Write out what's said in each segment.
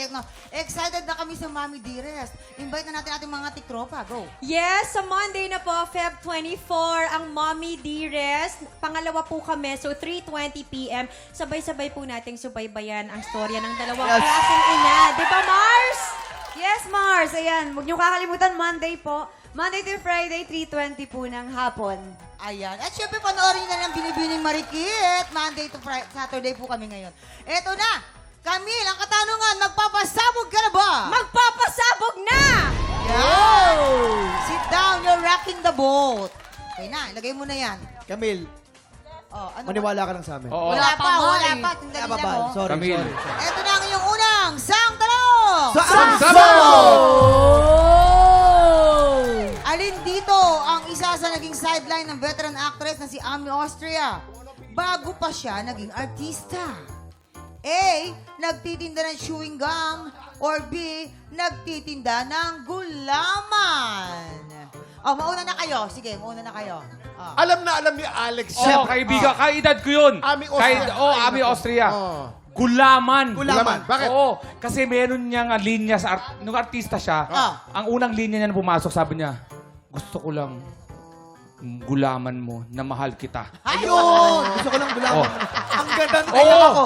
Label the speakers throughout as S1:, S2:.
S1: no? Excited na kami sa Mami Dearest. Invite na natin ating mga tiktropa. Go.
S2: Yes, sa Monday na po, Feb 24, ang Mommy Dearest. Pangalawa po kami, so 3:20 p.m. Sabay-sabay po nating subaybayan ang storya ng dalawang klaseng ina. Di ba, Mars?
S3: Yes, Mars. Ayan, huwag niyo kakalimutan, Monday po. Monday to Friday, 3:20 po ng hapon.
S1: Ayan. At syempre, panoorin na lang Binibining Marikit. Monday to Friday, Saturday po kami ngayon. Eto na. Camille, ang katanungan, magpapasabog ka na ba?
S2: Magpapasabog na!
S1: Yan. Sit down, you're rocking the boat. Okay na, ilagay mo na yan.
S4: Camille,
S1: Oh, ano
S4: maniwala ka lang sa amin.
S5: Oo.
S1: Wala pa, wala
S2: eh.
S1: pa. Tingnan
S4: Tama
S1: nila
S4: ba?
S1: mo.
S4: Sorry,
S5: Camille.
S4: sorry.
S1: Eto na ang iyong unang sang tanong. Alin dito ang isa sa naging sideline ng veteran actress na si Ami Austria bago pa siya naging artista? A. Nagtitinda ng chewing gum or B. Nagtitinda ng gulaman? Oh, mauna na kayo. Sige, mauna na kayo. Oh.
S6: Alam na alam ni Alex.
S5: Oo, kaibigan. Kaedad ko yun.
S6: Ami Austria.
S5: Ami Austria.
S6: Oh.
S5: Gulaman.
S6: Gulaman. Bakit?
S5: Oo. Kasi meron niyang linya sa nung artista siya.
S1: Ah.
S5: Ang unang linya niya na pumasok, sabi niya, gusto ko lang gulaman mo na mahal kita.
S4: Ayun! Gusto ko lang gulaman.
S5: Oh.
S4: Ang ganda ng
S5: Oo.
S4: ako.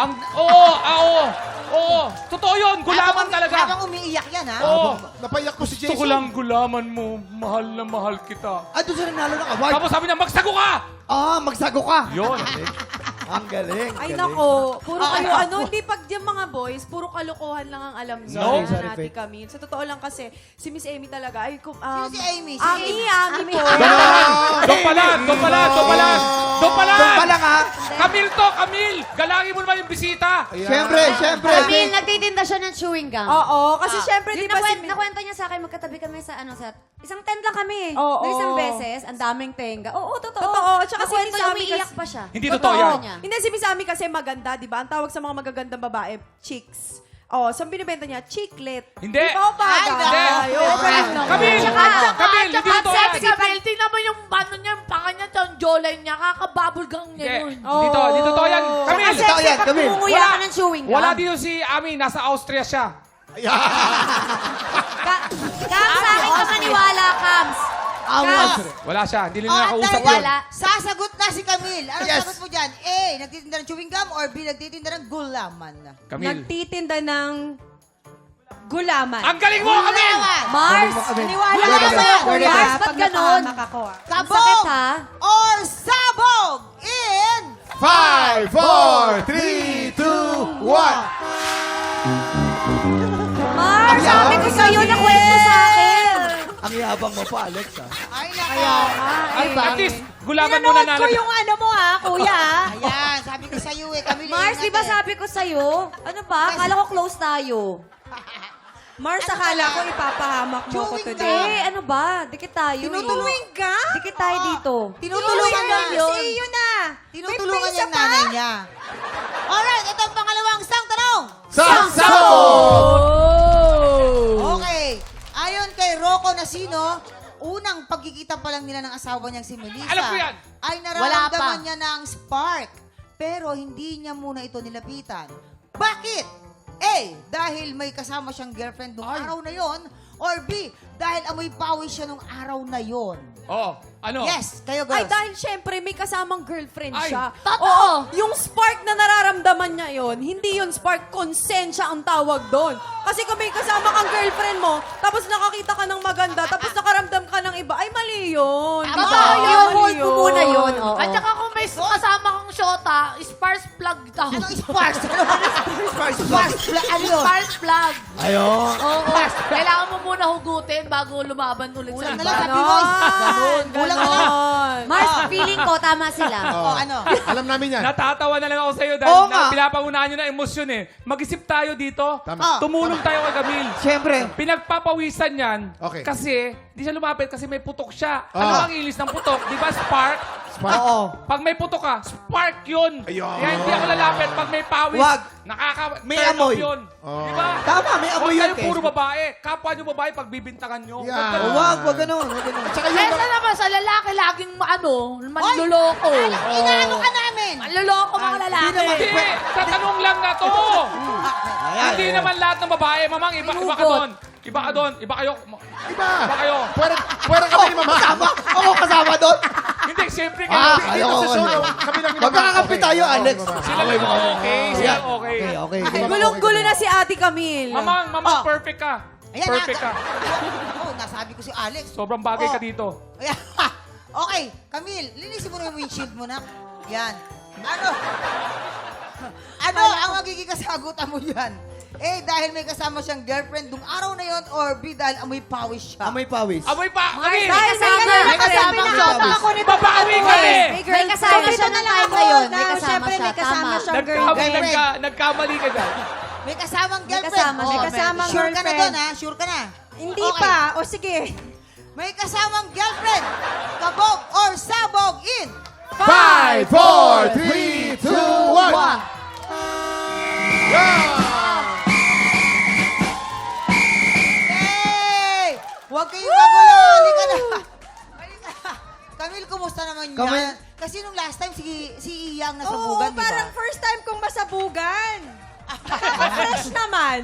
S5: Oo. Totoo yun. Gulaman talaga.
S1: Habang umiiyak yan, ha?
S5: Oo.
S6: Napayak ko si
S5: Gusto
S6: Jason.
S5: ko lang gulaman mo, mahal na mahal kita.
S4: Ah, doon sa nanalo ng award.
S5: Tapos sabi niya, magsago ka!
S4: Ah, magsago ka.
S5: Yun.
S4: Ang galing.
S3: Ay,
S4: galing.
S3: nako. Puro kayo, hindi pag yung mga boys, puro kalokohan lang ang alam niyo.
S5: No.
S4: Sorry,
S3: Ate
S4: Faith.
S3: Camille. Sa totoo lang kasi, si Miss Amy talaga, ay,
S1: Sino si Amy? Si
S3: Ami po.
S5: Doon pala.
S4: Doon pa lang, ha?
S5: Camille! Galangin mo naman yung bisita!
S4: Siyempre.
S7: Camille, nagtitinda siya ng chewing gum.
S3: Oo, kasi syempre, di
S7: Yung
S3: ba si...
S7: nakwento niya sa akin, magkatabi kami sa, isang tent lang kami.
S3: Oo.
S7: Na isang beses, ang daming tenga. Oo, totoo.
S3: Totoo, tsaka si
S7: Nakwento
S3: Miss
S7: niya,
S3: Ami
S7: umiiyak kasi- pa siya.
S5: Hindi totoo yan.
S7: niya.
S3: Hindi, si Miss Ami kasi maganda, di ba? Ang tawag sa mga magagandang babae, chicks. Oh, saan binibenta niya? Chiclet.
S5: Hindi.
S3: Di ba,
S1: Ay,
S5: Hindi.
S1: Camille,
S5: Camille, hindi totoo yan.
S8: Camille, tingnan mo yung ano niya, yung panga niya, yung jawline niya, kakababulgang niya
S5: Hindi.
S8: nun.
S5: Hindi totoo yan. Camille!
S4: Totoo yan, Camille.
S7: Umuya ka ng chewing gum.
S5: Wala dito si Ami, nasa Austria siya.
S7: Kams, sa akin ka maniwala, Kams.
S5: Wala siya, hindi
S1: Oh,
S5: nila nakausap yun.
S7: Wala.
S1: Sasagot na si Camille. Ano
S4: Yes.
S1: sagot mo dyan? A. Nagtitinda ng chewing gum or B. Nagtitinda ng gulaman?
S5: Camille.
S2: Nagtitinda ng gulaman.
S5: Ang galing mo, Camille!
S7: Mars,
S2: Naniwala
S1: Wala
S2: ka
S1: ka
S2: ba?
S1: ba?
S7: Mars, ba't ganon?
S2: Ako, ah.
S7: Ang
S1: Kabog
S7: sakit, ha?
S1: or sabog in
S6: 5, 4, 3, 2, 1.
S7: Mars, sabi ko sa'yo, nakwento sa akin.
S4: Ang yabang mo pa, Alex, ha?
S1: Ay, naka.
S5: At least, gulaman mo na
S2: Pinanood ko
S5: nalag.
S2: yung ano mo ha, kuya.
S1: Ayan, sabi ko sa'yo eh. Camille,
S7: Mars, di ba
S1: ingat eh.
S7: sabi ko sa'yo? Ano ba? Akala ko close tayo.
S2: Mars, akala ko ipapahamak mo ko
S1: Chewing
S2: today.
S7: Eh, ano ba? Dikit tayo.
S1: Tinutulungan
S2: ka?
S7: Dikit tayo dito.
S1: Tinutulungan niya.
S2: Si iyo na.
S1: Tinutulungan
S2: May
S1: niya yung
S2: pa.
S1: nanay niya. Alright, ito ang pangalawang sang tanong. Okay. Ayon kay Rocco Nasino, unang pagkikita pa lang nila ng asawa niyang si Melissa.
S5: Alam ko yan.
S1: Ay nararamdaman niya ng spark. Pero hindi niya muna ito nilapitan. Bakit? A. Dahil may kasama siyang girlfriend nung araw na yon. Or B. Dahil amoy pawis siya nung araw na yon.
S5: Oo. Ano?
S1: Yes, kayo
S3: Ay,
S1: girls.
S3: dahil syempre may kasamang girlfriend
S5: Ay,
S3: siya.
S7: totoo.
S3: Oo, yung spark na nararamdaman niya yon, hindi yun spark, konsensya ang tawag doon. Kasi kung may kasama kang girlfriend mo, tapos nakakita ka ng maganda, tapos nakaramdam ka ng iba, ay mali yun.
S7: Tama,
S3: Mali
S7: yung
S3: mali
S7: hold ko muna yun. Oo.
S8: At saka kung may kasama kang shota, sparks plug daw.
S1: Anong sparks? Sparks? Ano yun?
S8: Sparks plug.
S4: Ayun.
S8: Oo. Kailangan mo muna hugutin bago lumaban ulit sa
S1: Kulang na
S8: iba.
S1: lang, sabi mo. Kulang na lang.
S7: Mars, feeling ko, tama sila.
S1: Oh, ano?
S6: Alam namin yan.
S5: Natatawa na lang ako sa'yo dahil
S4: Oo nga.
S5: pinapangunahan nyo na emosyon eh. Mag-isip tayo dito.
S6: Tama.
S5: Tumulong tayo kay Camille.
S4: Siyempre.
S5: Pinagpapawisan yan
S6: Okay.
S5: kasi di siya lumapit kasi may putok siya.
S6: Ah.
S5: Ano ang ilis ng putok? Di ba spark?
S4: Oo.
S5: Pag may putok ka, spark yun.
S6: Ayun.
S5: Kaya hindi ako lalapit. Pag may pawis,
S4: Wag.
S5: may
S4: May amoy.
S5: yun.
S6: Oh.
S5: Di ba?
S4: Tama, may amoy
S5: Huwag
S4: yun,
S5: kayo
S4: Kes.
S5: puro babae. Kapwa nyo babae pag bibintangan nyo.
S6: Yeah.
S5: Huwag ganun.
S4: Wag ganun.
S6: Tsaka yung...
S8: Kesa naman sa lalaki, laging manluloko.
S1: Inaano ka namin?
S8: Manluloko mga lalaki.
S5: Hindi, sa tanong lang na to.
S4: Ayan.
S5: Hindi naman lahat ng babae. Mamang, iba ka doon. Iba ka doon. Iba kayo.
S6: Iba.
S5: Iba kayo.
S6: Pwera kami ni Mama.
S4: Ako kasama doon.
S5: Hindi, siyempre kayo.
S4: Ayaw
S6: Dito
S4: ko.
S6: sa show, kami lang ni Mama.
S4: Magkakakampi tayo, Alex.
S5: Sila lang okay. Sila okay.
S4: Okay.
S3: Ay, gulong-gulo na si Ate Camille.
S5: Mamang,
S1: Oh.
S5: perfect ka.
S1: Ayan,
S5: Perfect ka.
S1: Oh, nasabi ko si Alex.
S5: Sobrang bagay
S1: Oh.
S5: ka dito.
S1: Ayan. Okay, Camille, linisin mo na yung windshield mo na. Yan. Ano ang magiging kasagutan mo yan? A, dahil may kasama siyang girlfriend dung araw na yon, or B, dahil amoy pawis siya.
S4: Amoy pawis.
S5: Amoy pa!
S7: May
S5: Camille!
S7: kasama.
S1: May kasama siya.
S3: ako nito.
S5: Babawi kami!
S7: May kasama siya ng time na yun. May kasama
S2: Siyempre,
S7: siya.
S2: may kasama
S7: Tama.
S2: siyang girlfriend.
S5: Nagkamali ka dyan.
S1: May kasamang girlfriend.
S7: kasama siya.
S1: Oh,
S2: May kasamang
S1: sure ka na
S2: girlfriend.
S1: doon, ha? Sure ka na?
S2: Hindi
S1: Okay.
S2: pa. O sige.
S1: May kasamang girlfriend. Kabog or sabog in
S6: 5, 4, 3, 2, 1.
S1: Hey! Huwag kayong magulo. Halika na. Halika na. Camille, kumusta naman
S4: Camille.
S1: yan? Kasi nung last time, si Iyang
S2: Oo,
S1: nasabugan, di ba?
S2: parang first time kong masabugan. Fresh naman.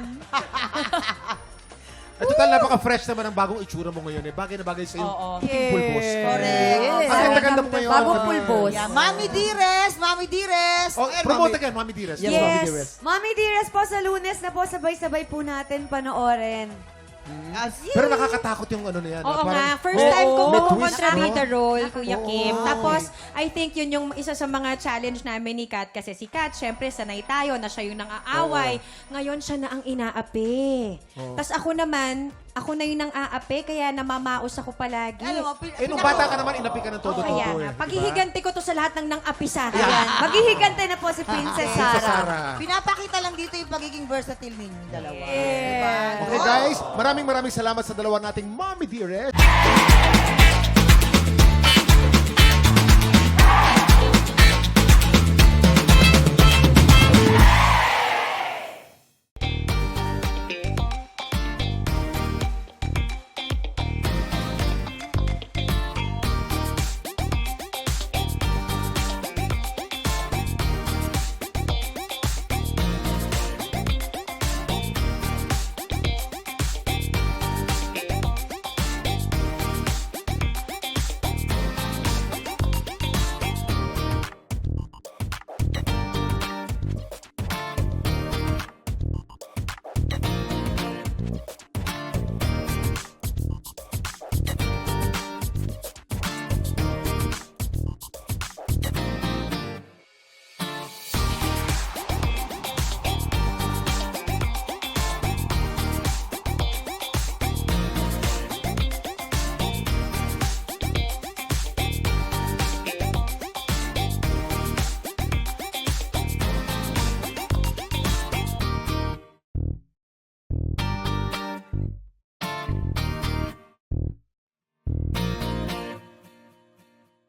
S6: At total, napaka-fresh naman ang bagong itsura mo ngayon. Bagay na bagay sa'yo. Puting pulbos.
S1: Correct.
S6: Ang ganda-ganda mo ngayon.
S7: Bagong
S6: Camille.
S7: pulbos.
S1: Yeah, Mami Dearest, Mami Dearest.
S6: Oh, promote again, Mami Dearest.
S4: Yes, Mami Dearest.
S7: Mami Dearest po sa Lunes na po, sabay-sabay po natin panoorin.
S6: Pero nakakatakot yung ano na yan.
S2: Oo
S6: Parang-
S2: nga, first time kong
S6: may twist,
S2: kumontrabida
S6: no?
S2: role, Kuya Kim. Tapos, I think yun yung isa sa mga challenge namin ni Kat. Kasi si Kat, syempre, sanay tayo na siya yung nang-aaway. Ngayon, siya na ang inaapi. Tapos ako naman, ako na yung nang-aapi, kaya namamaos ako palagi.
S1: Alam mo,
S6: Nung bata ka naman, inapi ka ng
S2: Oo,
S6: todo-todo.
S2: kaya
S6: eh,
S2: nga.
S6: di ba?
S2: Paghihiganti ko to sa lahat ng nang-api sa akin.
S7: Ayan. Maghihigante na po si Princess
S6: Sa
S7: Sarah.
S6: Sarah.
S1: pinapakita lang dito yung pagiging versatile ninyong dalawa.
S6: Okay guys, maraming salamat sa dalawa nating Mommy Dearest.